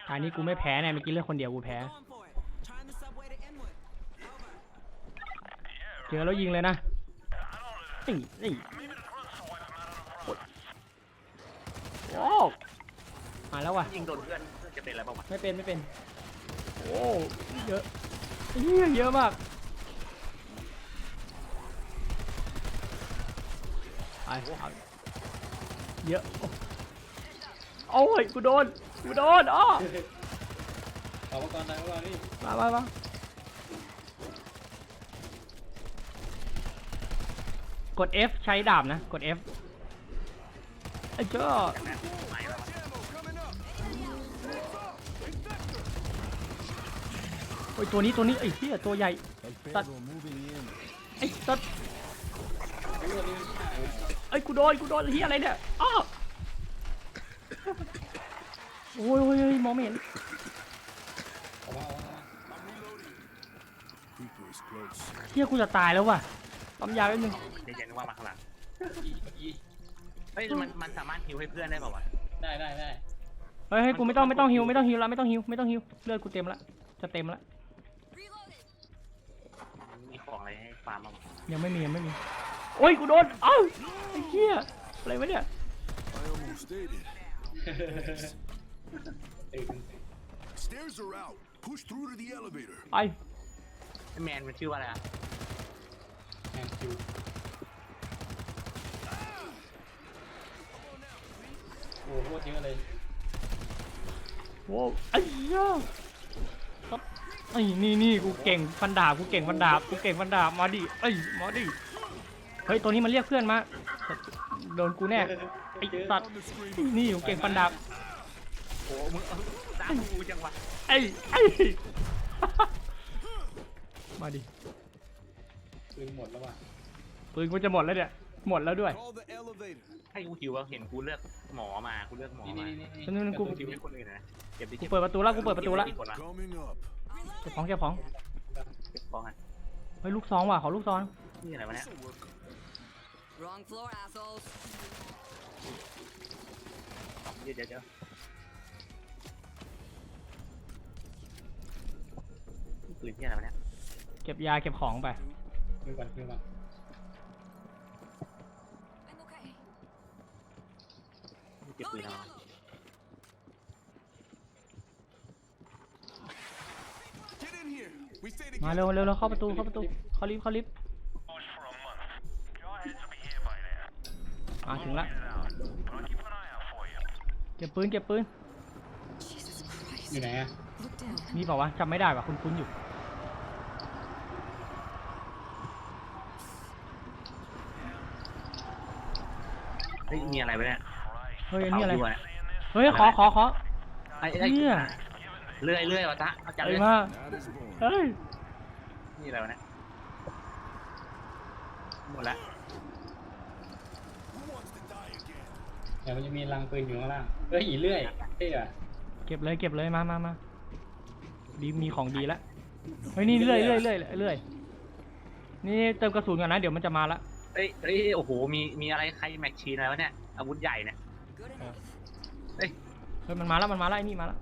อันนี้กูไม่แพ้เนี่ยเมื่อกี้เลือกคนเดียวกูแพ้เจอแล้วยิงเลยนะนี่โอ้มาแล้วว่ะยิงโดนเพื่อนจะเป็นอะไรบ้างวะไม่เป็นโอ้เยอะเยอะมากเยอะโอ้ยกูโดนอ๋อเอาก่อนนี่มากด F ใช้ดาบนะกด F ไอ้เจ้าโอ้ยตัวนี้ไอ้เหี้ยตัวใหญ่ตัดไอ้ตัดไอ้กูโดนเหี้ยอะไรเนี่ยอ้อโอ้ยมองไม่เห็นเหี้ยกูจะตายแล้วว่ะปั๊มยาแป๊บนึงเดี๋ยวนึกว่ามาข้างหลังเฮ้ยมันสามารถฮิวให้เพื่อนได้ป่าวะได้เฮ้ยกูไม่ต้องฮิวแล้วเลือดกูเต็มละจะเต็มละมีของอะไรให้ฟาร์มบ้างยังไม่มีโอ้ยกูโดนเอ้าไอ้เหี้ยอะไรวะเนี่ยไอ้แมนมันชื่อว่าอะไรอ่ะแมนคิวโอ้โหเยอะเลยโว้ไอ้เหี้ยไอ้นี่กูเก่งฟันดาบมาดิมาดิเฮ้ยตัวนี้มันเรียกเพื่อนมาโดนกูแน่ไอ้สัตว์นี่กูเก่งฟันดาบโอ้มึงตามกูจังวะไอ้มาดิปืนหมดแล้วว่ะปืนกูจะหมดแล้วเนี่ยหมดแล้วด้วยให้กูหิวว่าเห็นกูเลือกหมอมานี่กูหิวให้คนอื่นนะกูเปิดประตูแล้วเก็บของเก็บของเฮ้ยลูกซองว่ะขอลูกซองนี่อะไรวะเนี่ยเดี๋ยวปืนที่อะไรวะเนี่ยเก็บยาเก็บของไปขึ้นก่อนเก็บปืนมาเร็วเข้าประตูเข้าลิฟต์ถึงละเก็บปืนอยู่ไหนอ่ะมีเปล่าวะจำไม่ได้ว่ะคุ้นอยู่เฮ้ยมีอะไรวะเนี่ยเฮ้ยนี่อะไรเฮ้ยขอไอ้เนี่ยเลื่อยวะจ๊ะเอาจับเลยมาเฮ้ยนี่อะไรวะเนี่ยหมดละแต่มันจะมีรังปืนอยู่ข้างล่างเฮ้ยเลื่อยเท่อะเก็บเลยมาดีมีของดีแล้วเฮ้ยนี่เรื่อยนี่เติมกระสุนก่อนนะเดี๋ยวมันจะมาละเฮ้ยโอ้โหมีอะไรใครแม็กชีนอะไรวะเนี่ยอาวุธใหญ่เนี่ยเฮ้ยมันมาแล้วไอ้นี่มาแล้ว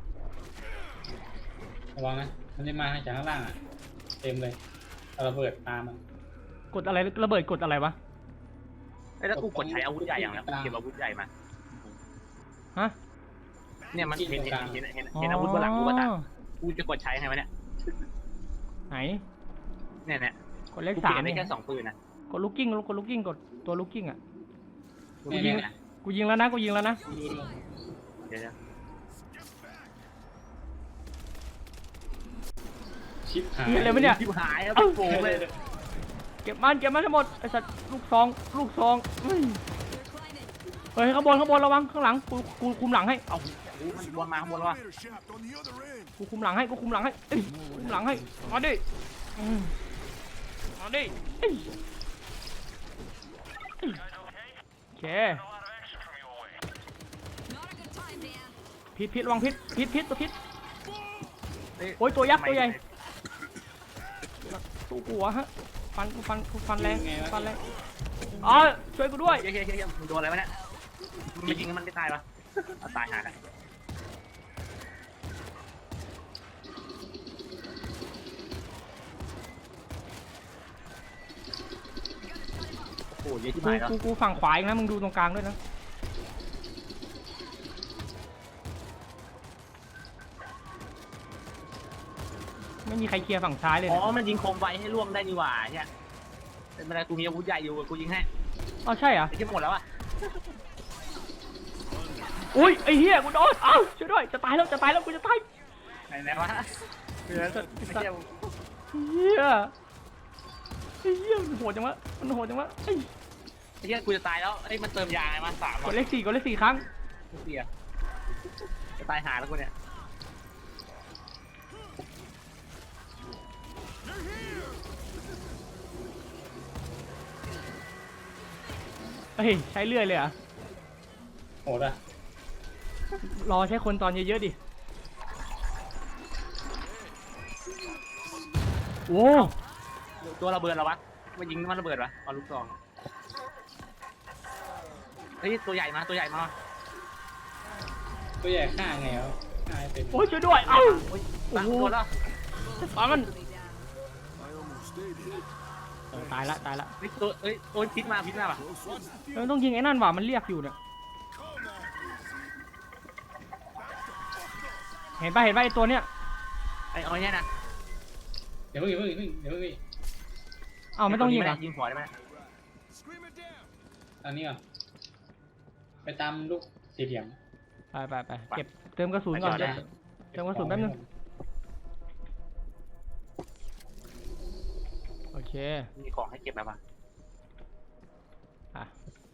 ระวังนะมันจะมาจากข้างล่างอ่ะเต็มเลยระเบิดตามมันกดอะไรระเบิดกดอะไรวะแล้วกูกดใช้อาวุธใหญ่อย่างแล้วเก็บอาวุธใหญ่มาฮะเนี่ยมันเห็นอาวุธบนหลังกูป่ะจ๊ะกูจะกดใช้ไงวะเนี่ยไหนเนี่ยกดเลข 3 ได้แค่2ปืนนะกดลูกกิ้งกดตัวลูกกิ้งอ่ะกูยิงแล้วนะเดี๋ยวชิปหายอะไรวะเนี่ยชิปหายโผล่เลยเก็บมันทั้งหมดไอ้สัตว์ลูกซองเฮ้ยข้างบนระวังข้างหลังกูคุมหลังให้เอามันบอลมาข้างบนวะกูคุมหลังให้คุมหลังให้มาดิโอเคพิษระวังพิษตัวพิษโอ้ยตัวยักษ์ตัวใหญ่ตัวหัวฮะฟันแรงอ๋อช่วยกูด้วยเฮ้ยมึงโดนอะไรวะเนี่ยมันยิงมันไม่ตายปะตายหากันเยอะที่หายแล้วกูฝั่งขวาเองนะมึงดูตรงกลางด้วยนะไม่มีใครเคลียร์ฝั่งซ้ายเลยอ๋นะอมันยิงโคมไฟให้ร่วงได้นี่หว่าเนี่ยเป็นอะไรกูมีอาวุธใหญ่อยู่กูยิงให้อ๋อใช่เหรอไอ้ที่หมดแล้วอ่ะอุ้ยไอ้เหี้ยกูโดนเอ้าช่วยด้วยจะตายแล้วกูจะตายไหนวะเรือสุดไอ้เหี้ยเหี้ยมันโหดจังวะไอ้ไอ้เหี้ยกูจะตายแล้วไอ้มันเติมยาไงมา3 กดเลขสี่ครั้งเสียจะตายหาแล้วกูเนี่ยเฮ้ยใช้เลื่อยเลยเหรอ่ะโหดอ่ะรอใช้คนตอนเยอะๆดิโอ้ตัวระเบิดเหรอวะมายิงมันระเบิดวะเอาลูกซองเฮ้ยตัวใหญ่มาตัวใหญ่ฆ่าไงวะฆ่าให้เป็นโอ้ยช่วยด้วยเอ้าโอ้ยโอ้ตั้งโหตัวแล้วตายมันตายละเฮ้ยตัวโอ้ยพิษมาป่ะต้องยิงไอ้นั่นว่ะมันเรียกอยู่เนี่ยเห็นป่ะไอ้ตัวเนี้ยไอ้เอาเนี่ยนะเดี๋ยวเพิ่งเอ้าไม่ต้องยิงเหรอยิงหัวได้ไหมตอนนี้ก่อนไปตามลูกสี่เหลี่ยมไปเก็บเติมกระสุนก่อนเติมกระสุนแป๊บนึงโอเคมีของให้เก็บไหมวะอ่ะ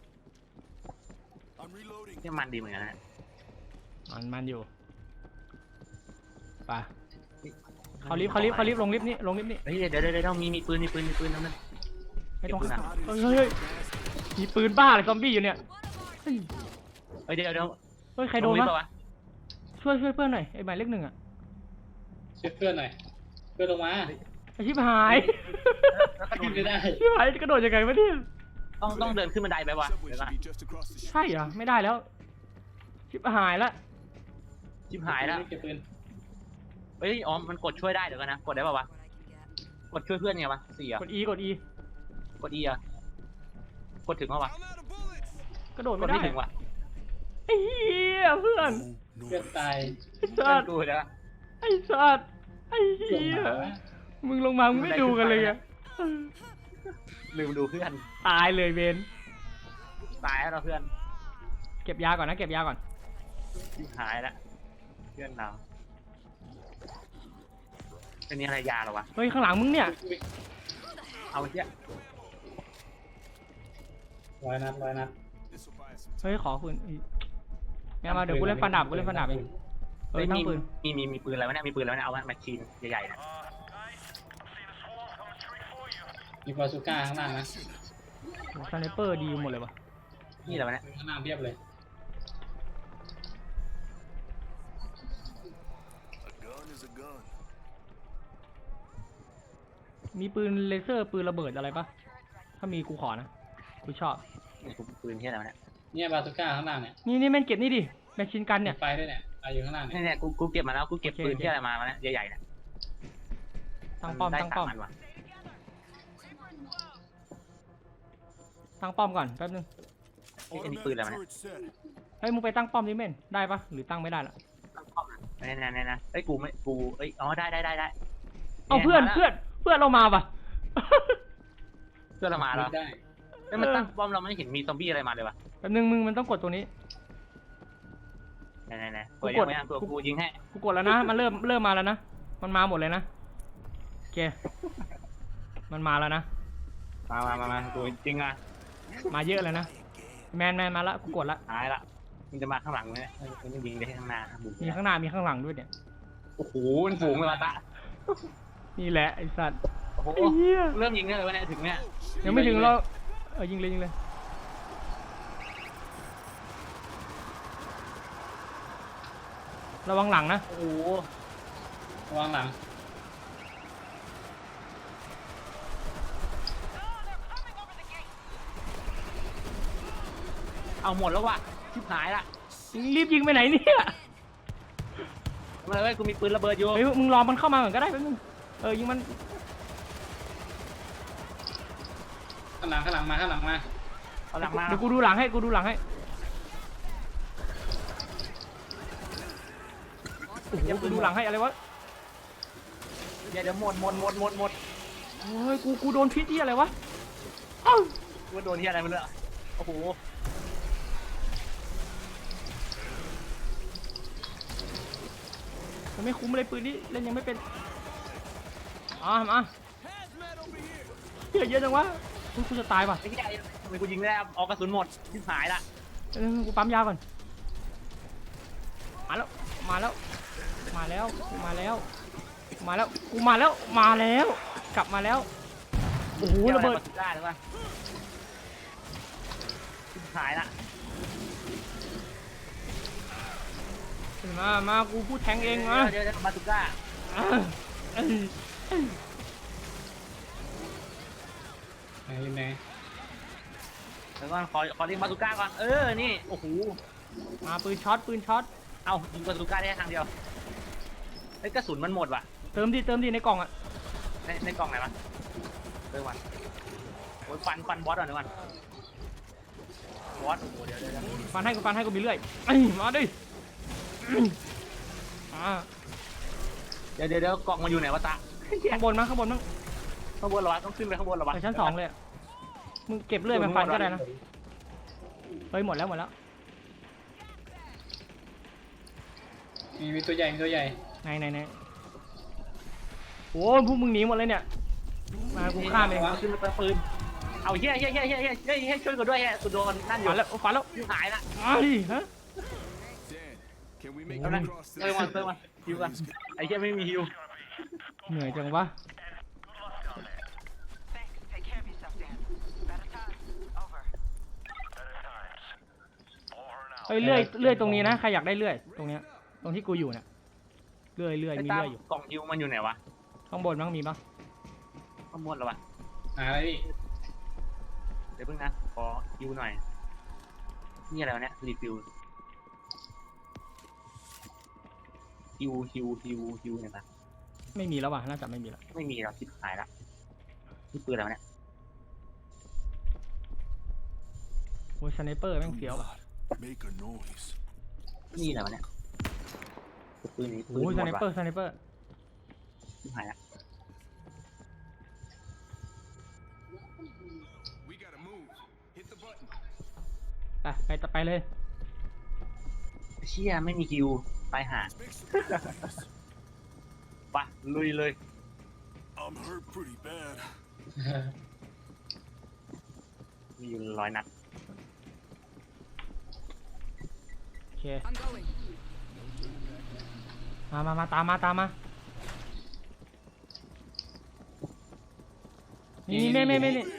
นี่มันดีเหมือนกันนะมันอยู่ไปเขาลิฟต์ลงลิฟต์นี่เฮ้ยเดี๋ยวมีปืนนั่นมันไม่ต้องเก็บปืนอะเฮ้ยมีปืนบ้าเลยซอมบี้อยู่เนี่ยเฮ้ยเฮ้ยเดี๋ยวเฮ้ยใครโดนลงลิฟต์วะปะวะช่วยเพื่อนหน่อยไอ้หมายเลข1อ่ะช่วยเพื่อนหน่อยเพื่อนลงมาไอ้ชิบหายแล้วก็โดขึ้นนไม่ได้ชิบหายกระโดดยังไงวะเนี่ยต้องเดินขึ้นบันไดไปวะเดี๋ยวก่อนใช่เหรอไม่ได้แล้วชิบหายละชิบหายแล้วเก็บปืนเฮ้ยอ๋อมันกดช่วยได้เดี๋ยวกันนะกดได้ป่าวะกดช่วยเพื่อนไงวะ4อ่ะกด E กด E อ่ะกดถึงป่าวะกระโดดกไม่ดได้ไม่ถึงว่ะไอ้เหี้ยเพื่อนเพื่อนตายไอ้เพื่สัอนตว์กูเดี๋ยวไอ้สัตว์ไอ้ลงเหี้ยมาวะมึงลงมามึงไม่ดูกันเลยอะลืมดูเพื่อนตายเลยเบนตายแล้วเราเพื่อนเก็บยาก่อนนะเก็บยาก่อนชิบหายแล้วเพื่อนเราเป็นนี่อะไรยาเหรอวะเฮ้ยข้างหลังมึงเนี่ยเอาเชี่ยร้อยนัดเฮ้ยขอปืนงั้นมาเดี๋ยวกูเล่นฟันดาบเองตั้งปืนมีปืนอะไรวะเนี่ยมีปืนแล้วเนี่ยเอาแมชชีนใหญ่ๆนะมีบาซูก้าข้างล่างนะสไนเปอร์ดีหมดเลยวะนี่อะไรวะเนี่ยข้างล่างเพียบเลยมีปืนเลเซอร์ปืนระเบิดอะไรปะถ้ามีกูขอนะกูชอบนี่กูปืนที่อะไรวะเนี่ยเนี่ยบาซูก้าข้างล่างเนี่ยนี่แม่งเก็บนี่ดิแมชชีนกันเนี่ยมีไฟด้วยเนี่ยไฟอยู่ข้างล่างเนี่ยเนี่ยกูเก็บมาแล้วกูเก็บปืนที่อะไรมาวะเนี่ยใหญ่ๆเนี่ยตั้งป้อมได้ตั้งป้อม 3อันว่ะตั้งป้อมก่อนแป๊บนึงอันนี้ปืนอะไรวะเนี่ยเฮ้ยมึงไปตั้งป้อมดิเม่นได้ปะหรือตั้งไม่ได้ละเนี่ยเอ้ยกูไม่กูเอ้ยอ๋อได้เอาเพื่อนเรามาปะเพื่อนเรามาแล้วได้เอ้ยมันตั้งป้อมเราไม่เห็นมีซอมบี้อะไรมาเลยวะแป๊บนึงมึงมันต้องกดตรงนี้ไหนกูยังไม่ตัวกูยิงให้กูกดแล้วนะมันเริ่มมาแล้วนะมันมาหมดเลยนะโอเคมันมาแล้วนะมากูจริงอ่ะมาเยอะเลยนะแมนมาละกูกดละหายละมันจะมาข้างหลังเนี่ยมันยิงได้ข้างหน้าบุกมีข้างหน้ามีข้างหลังด้วยเนี่ยโอ้โหมันฝูงเลยมาตะนี่แหละไอ้สัตว์โอ้โหไอ้เหี้ยเริ่มยิงได้เลยวะเนี่ยถึงเนี่ยยังไม่ถึงเรายิงเลยระวังหลังนะโอ้โหระวังหลังเอาหมดแล้วว่ะชิบหายละรีบยิงไปไหนเนี่ยมาเลยกูมีปืนระเบิดอยู่เฮ้ยมึงรอมันเข้ามาก่อนก็ได้แป๊บนึงยิงมันข้างหลังมาเอาหลังมาเดี๋ยวกูดูหลังให้กูดูหลังให้โอ้โหกูดูหลังให้อะไรวะเดี๋ยวหมดโอ้ยกูโดนพิษที่อะไรวะเอ้าว่าโดนที่อะไรมันเลยโอ้โหมันไม่คุ้มเลยปืนนี้เล่นยังไม่เป็นมาเยอะจังวะกูจะตายป่ะไอ้ที่ไอ้ทำไมกูยิงไม่ได้ออกกระสุนหมดที่หายละกูปั๊มยาก่อนมาแล้วมาแล้วมาแล้วมาแล้วมาแล้วกูมาแล้วมาแล้วกลับมาแล้วโอ้โหระเบิดได้หรือเปล่าที่หายละมากูพูดแทงเองมาเดี๋ยวมาตุก้าไหนอยู่ไหนเดี๋ยวก่อนขอเรียกมาตุก้าก่อนนี่โอ้โหมาปืนช็อตเอายิงมาตุก้าได้ทางเดียวไอ้กระสุนมันหมดว่ะเติมดิในกล่องอ่ะในกล่องไหนวะเติมวันโอ้ยฟันบอสก่อนเดี๋ยวก่อนบอสโอ้โหเดี๋ยวฟันให้กูมีเรื่อยมาดิเดี๋ยวกล่องมันอยู่ไหนวะตาข้างบนมั้งข้างบนเหรอวะต้องขึ้นไปข้างบนเหรอวะไปชั้น 2เลยมึงเก็บเรื่อยไปฟันก็ได้นะเฮ้ยหมดแล้วมีตัวใหญ่ไหนโอ้พวกมึงหนีหมดเลยเนี่ยมากูฆ่าเองขึ้นไปปืนเอาเฮ้ยช่วยกูด้วยกูโดนนั่นอยู่ฟันแล้วหายละมาดิฮะ Can we make เอา it ละ across เติมมาฮิวกันไอ้เหี้ยไม่มีฮิวเหนื่อยจังวะ Thanks. Take care of yourself, Dan. Better times. Over. เฮ้ยเลื่อยตรงนี้นะใครอยากได้เลื่อยตรงเนี้ยตรงที่กูอยู่เนี่ยเลื่อยไอ้มีตาเลื่อยอยู่กล่องฮิวมันอยู่ไหนวะข้างบนมั้งมีปะข้างบนเหรอวะอะไรพี่เดี๋ยวเพิ่งนะขอฮิวหน่อยนี่อะไรวะเนี่ยรีฟิลฮิวเนี่ยนะไม่มีแล้วว่ะน่าจะไม่มีแล้วไม่มีแล้วคิดหายละนี่ปืนอะไรวะเนี่ยโอ้ยสไนเปอร์แม่งเฟี้ยวว่ะ Make a noise. นี่อะไรวะเนี่ยปืนนี้ปืนโอ้ยหสมไนดเปอว่ะร์คิดหายละ We gotta move. Hit the button. ไปเลยเชี่ยไม่มีฮิวตายหา Let's make some progress. ปะลุยเลย I'm hurt pretty bad. มีอยู่100 นัดโอเค I'm going. มาตามมานี่ไม่ Big.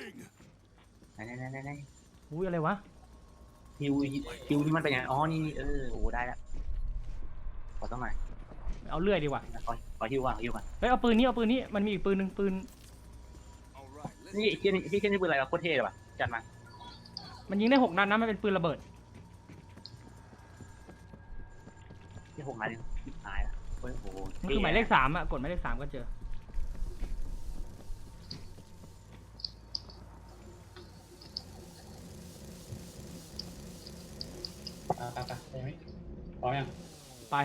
ไหนอุ้ยอะไรวะฮิวนี่มันเป็นยังไงอ๋อนี่โอ้ได้แล้วขอต้องหน่อยเอาเลื่อยดีกว่าขอฮิวก่อนฮิวก่อนเฮ้ยเอาปืนนี้มันมีอีกปืนหนึ่งปืน All right. Let's นี่พี่เช่นนี่ปืนอะไรวะโคตรเท่เลยว่ะจัดมามันยิงได้6 นัดนะมันเป็นปืนระเบิดที่6 นัดนี่คิดหายละโอ้โหมันคือหมายเลข 3อ่ะกดหมายเลข 3ก็เจอไปไหมพร้อมยังไป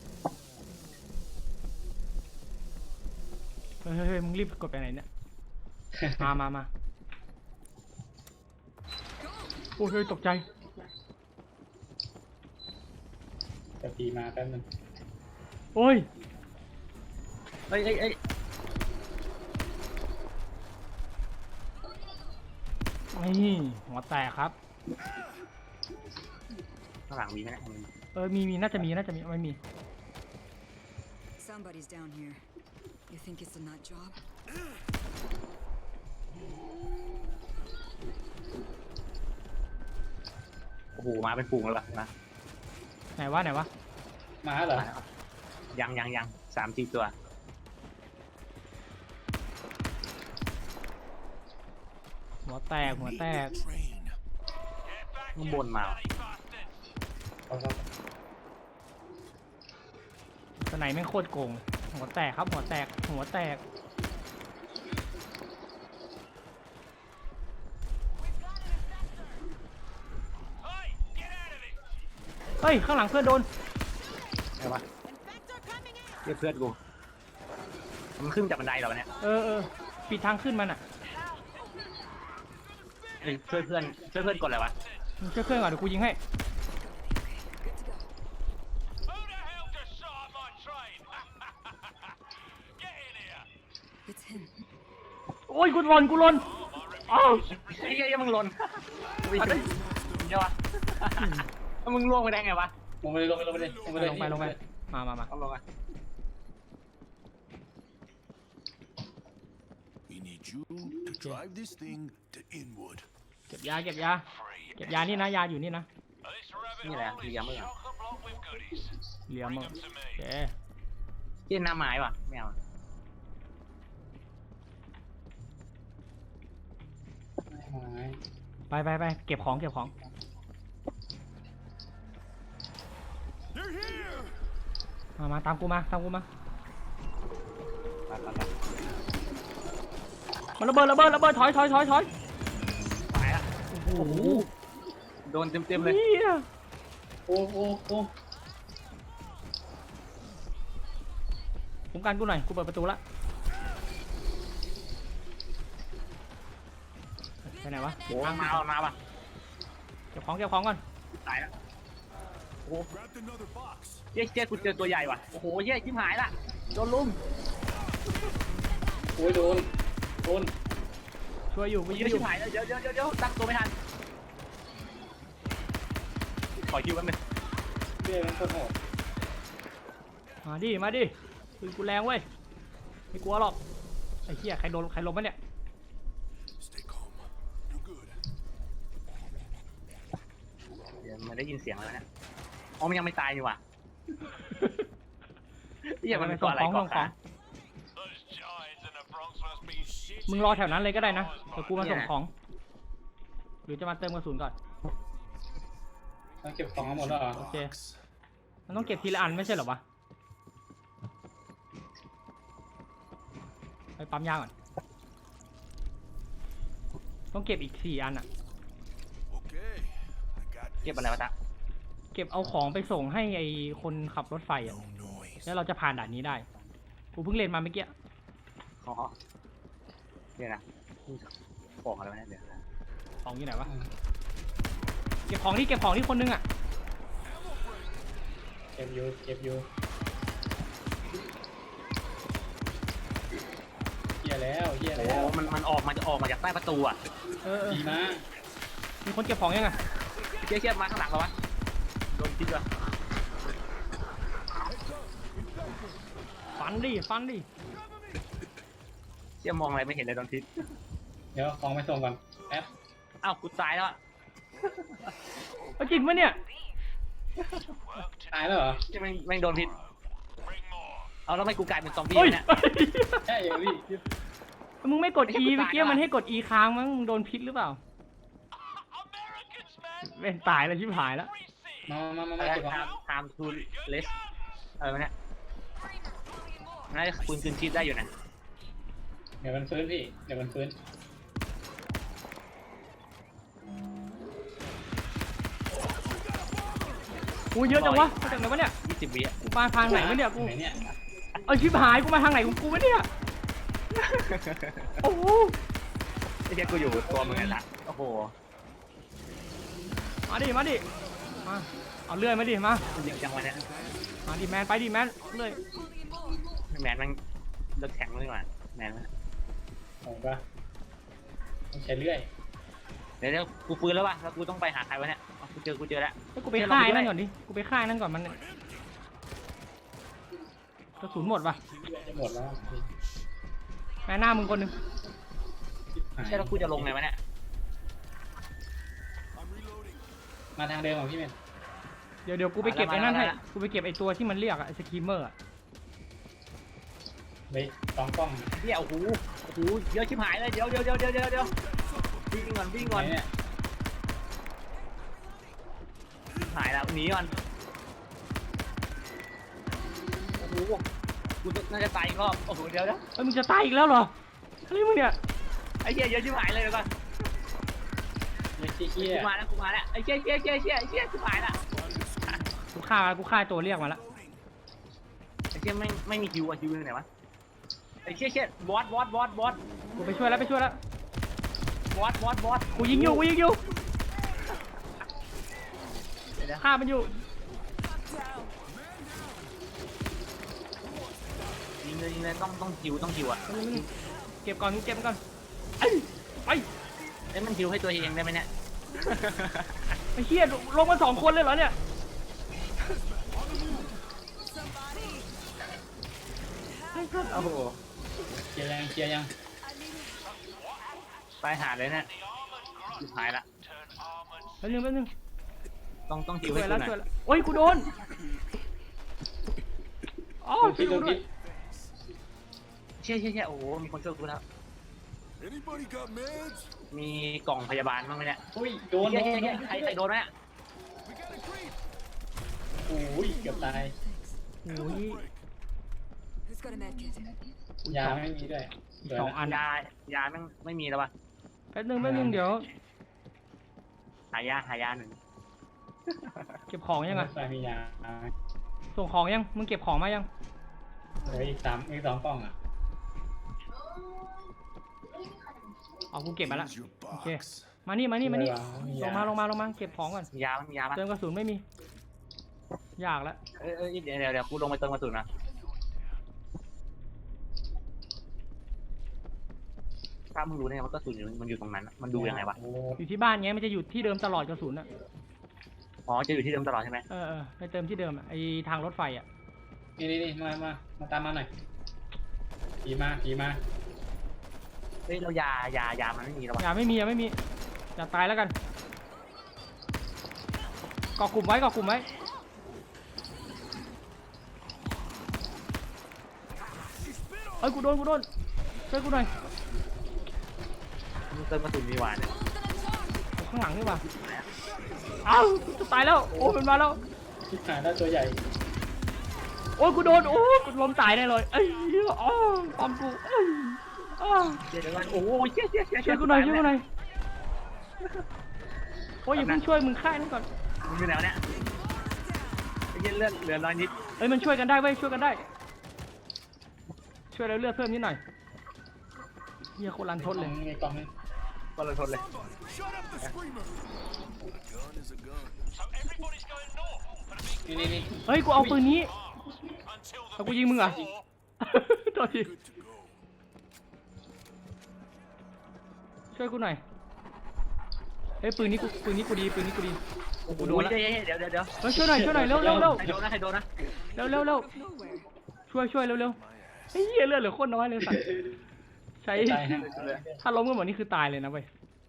เฮ้ยมึงรีบกดไปไหนเนี่ย มาโอ้ยเฮ้ยตกใจจะปีมาแป๊บนึงโอ้ยเอ้ยนี่หัวแตกครับข้างหลังมีไหมเนี่ยมีน่าจะมีไม่มี Somebody's down here. You think it's a nut job? โอ้โหมาเป็นฝูงเลยว่ะนะไหนวะมาเหรอยัง3-4 ตัวหัวแตก train. ข้างบนมาเขาสไนแม่งโคตรโกงหัวแตกครับหัวแตกเฮ้ยข้างหลังเพื่อนโดนไงวะเรียกเพื่อนกูมันขึ้นจากบันไดเหรอวะเนี่ยปิดทางขึ้นมันอ่ะเอ้ยช่วยเพื่อนกดอะไรวะมึงช่วยเพื่อนก่อนเดี๋ยวกูยิงให้ Who the hell just shot at my train? Get in here. It's him. โอ้ยกูหล่นอ้าวไอ้เหี้ยมึงหล่นวิ่งเดี๋ยววะแล้วมึงล่วงไปได้ไงวะลงไปเลยลงไปเลยลงไปมาเอาลงมา We need you to drive this thing to Inwood. เก็บยานี่นะยาอยู่นี่นะนี่แหละเลี้ยงมึงอ่ะเหลียมมึงโอเคเหี้ยหน้าไม้ว่ะไม่เอาไปเก็บของ They're here. มาตามกูมาไปมันระเบิดถอยตายละโอ้โหโดนเต็มเลยเหี้ยโอ้คุ้มกันกูหน่อยกูเปิดประตูละไปไหนวะโอ้มาป่ะเก็บของก่อนตายละ Grabbed another box. เจ๊กูเจอตัวใหญ่ว่ะโอ้โหเย้ชิบหายละโดนลุมโอ้ยโดนช่วยอยู่กูยิเย้งอชิยู่บหายแล้วเดี๋ยวตั้งตัวไม่ทันขอคิวแป๊บนึงเรื่อยมันโคตรโหดมาดิปืนกูแรงเว้ยไม่กลัวหรอกไอ้เหี้ยใครล้มวะเนี่ย Stay calm. You're good. เดี๋ยวมันได้ยินเสียงแล้วเนี่ยอ๋อมันยังไม่ตายอยู่ว่ะเหี้ยมันเป็นตัวอะไรก่อนคะ Those giants in the Bronx must be shit. มึงรอแถวนั้นเลยก็ได้นะเดี๋ยวกูมาส่งของหรือจะมาเติมกระสุนก่อนต้องเก็บของทั้งหมดแล้วเหรอโอเคมันต้องเก็บทีละอันไม่ใช่เหรอวะไปปั๊มยาก่อนต้องเก็บอีก4 อันอ่ะ Okay. I got เก็บอะไรวะจ๊ะเก็บเอาของไปส่งให้ไอคนขับรถไฟอ่ะ no noise. แล้วเราจะผ่านด่านนี้ได้กูเพิ่งเรียนมาเมื่อกี้อ๋อเนี่ยนะของอะไรวะเนี่ยเดี๋ยวของอยู่ไหนวะเก็บของที่คนนึงอ่ะเก็บอยู่เหี้ยแล้วโอ้มันออกมาจากใต้ประตูอ่ะดีมากมีคนเก็บของยังไงเชี่ยมาข้างหลังเราวะโดนพิษว่ะฟันดิเชี่ยมองอะไรไม่เห็นเลยโดนพิษเดี๋ยวของไปส่งก่อนแป๊บอ้าวกูตายแล้วอะเอาจริงปะเนี่ยตายแล้วเหรอเชี่ยแม่งโดนพิษ Bring more. เอาแล้วทำไมกูกลายเป็นซอมบี้เฮ้ยเนี่ยใช่เหรอพี่มึงไม่กด E เมื่อกี้มันให้กด E ค้างมั้งมึงโดนพิษหรือเปล่า Americans, man. เป็นตายแล้วชิบหายแล้วมาเก็บของ time to rest อะไรวะเนี่ยน่าจะปืนคืนชีพได้อยู่นะเดี๋ยวมันฟื้นพี่เดี๋ยวมันฟื้นกูเยอะจังวะมาจากไหนวะเนี่ย 20 วิอ่ะกูมาทางไหนวะเนี่ยกูไหนเนี่ยเอาชิบหายกูมาทางไหนของกูวะเนี่ยโอ้โหไอ้เชี่ยกูอยู่ตัวมึงไงล่ะโอ้โหมาดิมาเอาเลื่อยมาดิมามันยิงจังวะเนี่ยมาดิแมนไปดิแมนเลื่อยแมนมันเลิกแข็งเลยว่ะแมนมันของปะต้องใช้เลื่อยเดี๋ยวกูฟื้นแล้วว่ะแล้วกูต้องไปหาใครวะเนี่ยอ๋อกูเจอแล้วให้กูไปฆ่าไอ้นั่นก่อนดิกูไปฆ่าไอ้นั่นก่อนมันกระสุนหมดป่ะเลื่อยจะหมดแล้วพี่แม่หน้ามึงคนหนึงใช่แล้วกูจะลงไงวะเนี่ย I'm reloading. มาทางเดิมของพี่เมนเดี๋ยวกูไปเก็บไอ้นั่นให้กูไปเก็บไอ้ตัวที่มันเรียกอะไอ้สกีมเมอร์อะไปสองกล้องเดี๋ยวโอ้โหเยอะชิบหายเลยเดี๋ยววิ่งก่อนไหนเนี่ยหายแล้วหนีก่อนโอ้โหกูน่าจะตายอีกรอบโอ้โหเดี๋ยวเฮ้ยมึงจะตายอีกแล้วเหรออะไรมึงเนี่ยไอ้เหี้ยเยอะชิบหายเลยเดี๋ยวก่อนไม่ใช่เหี้ยกูมาแล้วไอ้เชี่ยชิบหายละฆ่าตัวเรียกมาแล้วไอ้เชี่ยไม่มีคิวอะคิวอยู่ไหนวะไอ้เชี่ยบอสกูไปช่วยแล้วบอสกูยิงอยู่เดี๋ยวฆ่ามันอยู่ยิงเลยต้องคิวอะเก็บก่อนไอ้ไปเอ้ยมันคิวให้ตัวเองได้ไหมเนี่ยไอ้เหี้ยลงมา2 คนเลยเหรอเนี่ยโอ้โหเคลียร์ยังเคลียร์ยังไปหาเลยเนี่ยสุดท้ายละแป๊บนึงต้องคิวช่ให้วยกูแล้วหน่อยโอ้ยกูโดนอ๋อช่วยกูด้วยเชี่ยโอ้โหมีคนช่วยกูแล้ว Anybody got meds? มีกล่องพยาบาลบ้างไหมเนี่ยอุ้ยโดนเชี่ยใครโดนไหมเนี่ย We got a creep. โอ้ยเกือบตายโอ้ย Who's got a med kit? ยาไม่มีด้วยอีก2 อันยาไม่มีแล้ววะแป๊บนึงเดี๋ยวหายาหนึ่งเก็บของยังไงใส่มียาส่งของยังมึงเก็บของมายังเหลืออีก2 กล่องอ่ะเอากูเก็บมาละ Here's your โอเค box. มานี่ไม่มีลยางมาเก็บของก่อนมียาปะเติมกระสุนไม่มีอยากแล้วเดี๋ยวกูลงไปเติมกระสุนนะถ้ามึงรู้เนี่ยว่ากระสุนมันอยู่ตรงนั้นอะมันดูยังไงวะโอ้อยู่ที่บ้านไงมันจะอยู่ที่เดิมตลอดกระสุนอ่ะอ๋อจะอยู่ที่เดิมตลอดใช่ไหมไปเติมที่เดิมอ่ะไอทางรถไฟอ่ะนี่มาตามมาหน่อยขี่มาเฮ้ยเรายามันไม่มีแล้ววะอย่าไม่มีอย่าตายแล้วกันก่อกลุ่มไว้เอ้ยกูโดนช่วยกูหน่อยมึงเติมกระสุนมีหวานเนี่ยข้างหลังนี่ว่ะอ้าวจะตายแล้วโอ้มันมาแล้วที่หายได้ตัวใหญ่โอ้ยกูโดนโอ้ยกูล้มตายแน่เลยเอ้ยอ๋อปอมกูเอ้ยอ้าวเดี๋ยวก่อนโอ้ยเชี่ยช่วยกูหน่อยโอ้ยอย่าเพิ่งช่วยมึงฆ่านั่นก่อนมึงอยู่ไหนวะเนี่ยไอ้เหี้ยเลือดเหลือน้อยนิดเอ้ยมันช่วยกันได้เว้ยช่วยแล้วเลือดเพิ่มนิดหน่อยเฮียโคตรรันทดเลยมีกล่องนึงก็เลยทนเลย Shut up the screamer. A gun is a gun. So everybody's going north for the big นี่เฮ้ยกูเอาปืนนี้ until the เอากูยิงมึงเหรอ war. ตัวที Good to go. ช่วยกูหน่อยเฮ้ยปืนนี้กูดีโอ้โหกูโดนละเดี๋ยวเฮ้ยช่วยหน่อยเร็วใครโดนนะใครโดนนะเร็วช่วยเร็วเฮ้ยเหี้ยเลือดเหลือโคตรน้อยเลยสัตว์ใช้ตายฮะถ้าล้มกันหมดนี่คือตายเลยนะเว้ย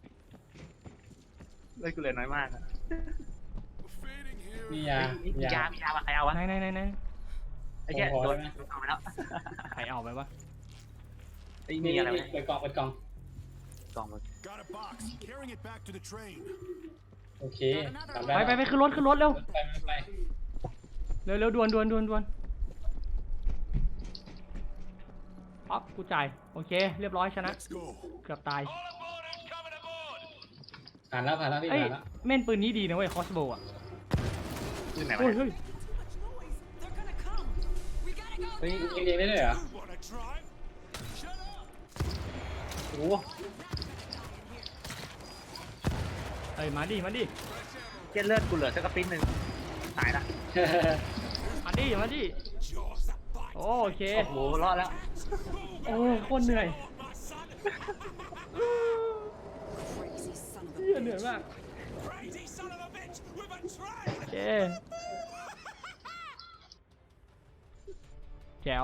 เลือดกูเหลือน้อยมากอะ We're fading here. มีมียามาใครเอาวะไหนไอ้เหี้ยโดนเอาไปแล้วใครเอาไปวะไอ้มีอะไรวะเปิดกล่องกล่องมึง Got a box. Carrying it back to the train. โอเคกลับได้ไปขึ้นรถเร็วไปเร็วด่วนป๊อปกูจ่ายโอเคเรียบร้อยชนะ Let's go. เกือบตาย All aboard who's coming aboard. ผ่านแล้วพี่เอ้ยผ่านแล้วแม่นปืนนี้ดีนะเว้ยคอสโบอ่ะขึ้นไหนวะเฮ้ยเนี่ยเฮ้ย They're gonna come. We gotta go. เฮ้ยยิงเองได้ด้วยเหรอ You wanna try? Shut up. โอ้โหเอ้ยมาดิเหี้ยเลือดกูเหลือสักกระปิ้นหนึ่งตายละมาดิ Jaws that bite. โอเคโอ้โหรอดแล้วโอ้โคตรเหนื่อย Crazy son of เหี้ยเหนื่อยมาก Crazy son of a bitch with a train. โอเคแจ๋ว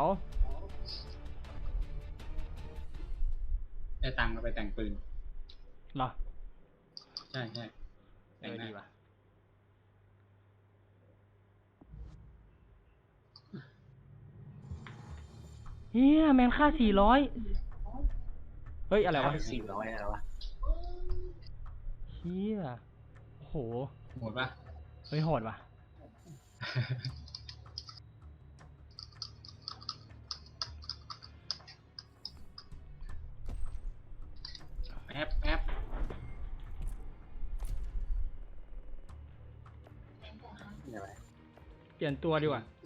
ได้ตังค์มาไปแต่งปืนเหรอใช่แต่งหน้าดีว่ะเฮียแมนค่า400เฮ้ยอะไรวะ 400อะไรวะเฮียโอ้โหหมดปะเฮ้ยโหดว่ะแอปนี่อะไรเปลี่ยนตัวดีกว่า